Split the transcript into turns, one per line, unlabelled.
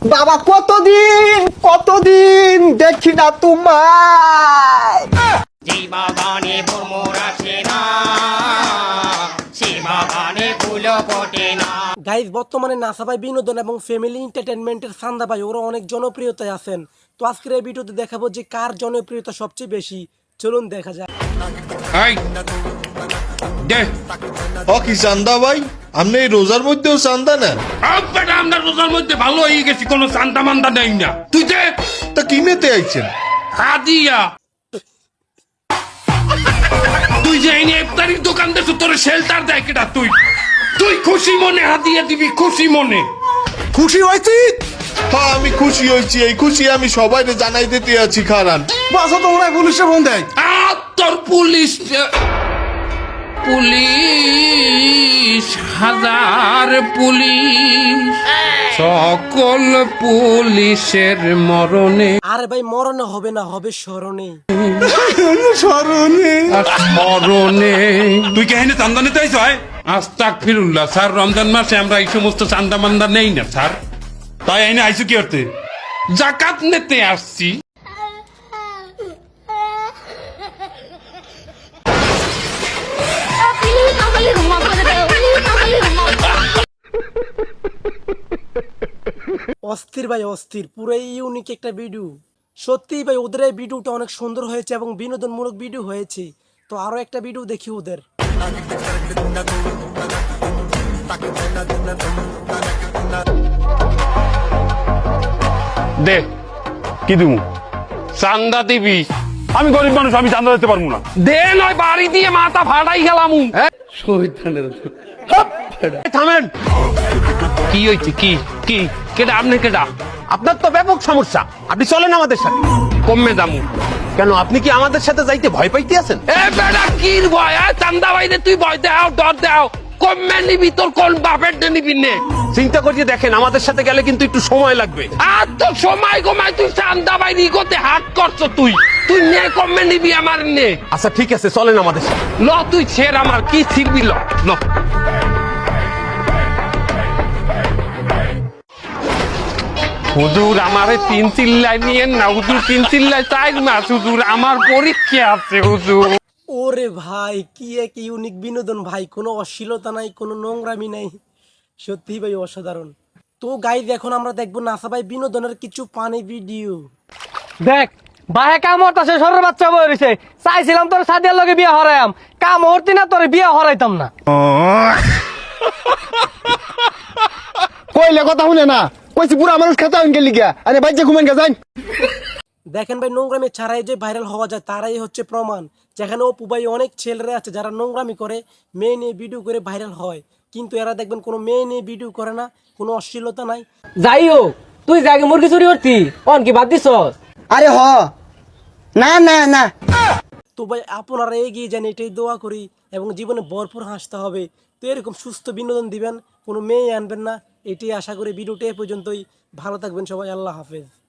বাবা কতদিন কতদিন দেখি না তোমায়।
যেই বাগানে ভ্রমর আসে না, সেই বাগানে ফুল ফোটে না।
গাইজ বর্তমানে নাসা ভাই বিনোদন এবং ফ্যামিলি এন্টারটেনমেন্টের সান্দা ভাই ওরা অনেক জনপ্রিয়তায় আছেন। তো আজকের এই ভিডিওতে দেখাবো যে কার জনপ্রিয়তা সবচেয়ে বেশি। চলুন দেখা যাক।
কি চান্দা ভাই, আপনি এই রোজার মধ্যেও চান্দা নেন?
আমরা রোজার মধ্যে ভালো হয়ে গেছি, কোনো চান্দা মান্দা নেই না। তুই যে
তা কি নিতে আইছেন?
হাদিয়া, তুই যে এই ইফতারির দোকান দেছো, তোর শেল্টার দেয় কেটা? তুই তুই খুশি মনে হাদিয়া দিবি, খুশি মনে।
খুশি হয়েছি? হ্যাঁ আমি খুশি হয়েছি, এই খুশি আমি সবাই জানাই দিতে আছি। খারান বাসা তো মনে হয় পুলিশে ফোন দেয়।
তোর পুলিশ পুলিশ হাজার পুলিশ, সকল পুলিশের মরণে।
আরে ভাই মরণে হবে না, হবে স্মরণে।
মরণে তুই কেহেনে চান্দা নিতে আইস? আস্তাগফিরুল্লাহ স্যার, রমজান মাসে আমরা এই সমস্ত চান্দা মান্দা নেই না স্যার।
তাই আইনে আইসু কি করতে?
জাকাত নিতে আসছি।
অস্থির ভাই অস্থির, পুরাই ইউনিক একটা ভিডিও। সত্যিই ভাই ওদের এই ভিডিওটা অনেক সুন্দর হয়েছে এবং বিনোদনমূলক ভিডিও হয়েছে। তো আরো একটা ভিডিও দেখি ওদের।
দে কি দিমু?
চান্দা দিবি?
আমি গরিব মানুষ, আমি চান্দা দিতে পারবো না।
দে নয় বাড়ি দিয়ে মাথা ফাটাই গেলাম। থামেন। কি হয়েছে? কি কি কেডা? আপনি কেডা?
আপনার তো ব্যাপক সমস্যা, আপনি চলেন আমাদের সাথে।
কমে দামু
কেন, আপনি কি আমাদের সাথে যাইতে ভয় পাইতে আছেন?
এ বেটা কির ভয়? চান্দা বাইরে তুই ভয় দেও, ডর দেও। কমে নিবি, তোর কোন বাপের নিবি নে?
চিন্তা করিয়ে দেখেন, আমাদের সাথে গেলে কিন্তু একটু সময় লাগবে।
আর তো সময় কমায়, তুই চান্দা বাইরে ইগোতে হাট করছো। তুই তুই নে, কমে নিবি আমার নে।
আচ্ছা ঠিক আছে, চলেন আমাদের সাথে।
ল তুই ছেড়, আমার কি শিখবি? ল ল। হুজুর আমারে 3 চিল্লাই নিয়েন না হুজুর, 3 চিল্লাই 4 মাস হুজুর, আমার পরীক্ষা আছে হুজুর।
ওরে ভাই কি এক ইউনিক বিনোদন ভাই, কোনো অশ্লীলতা নাই, কোনো নোংরামি নাই। সত্যি ভাই অসাধারণ। তো গাইজ এখন আমরা দেখবো নাসা ভাই বিনোদনের কিছু পানি ভিডিও।
দেখ বাহে কাম হরতাছে, সরের বাচ্চা বই রইছে। চাইছিলাম তোর সাদিয়ার লগে বিয়া হরাইম, কাম হরতি না, তোর বিয়া হরাইতাম না।
কইলে কথা শুনে না, কইছি পুরা মানুষ খেতে হইন গেলি গিয়া, আরে বাইজে ঘুমেন গে যাই।
দেখেন ভাই নোংরামি ছাড়াই যে ভাইরাল হওয়া যায় তারাই হচ্ছে প্রমাণ। যেখানে অপু ভাই অনেক ছেলেরা আছে যারা নোংরামি করে, মেয়ে নিয়ে ভিডিও করে ভাইরাল হয়, কিন্তু এরা দেখবেন কোনো মেয়ে নিয়ে ভিডিও করে না, কোনো অশ্লীলতা নাই।
যাই হোক, তুই জাগে মুরগি চুরি করতি, অন কি বাদ দিছস?
আরে হ না না না।
তো ভাই আপনারা এগিয়ে যান, এটাই দোয়া করি, এবং জীবনে ভরপুর হাসতে হবে। তো এরকম সুস্থ বিনোদন দিবেন, কোনো মেয়ে আনবেন না, এটাই আশা করি। ভিডিওটা এ পর্যন্তই। ভালো থাকবেন সবাই, আল্লাহ হাফেজ।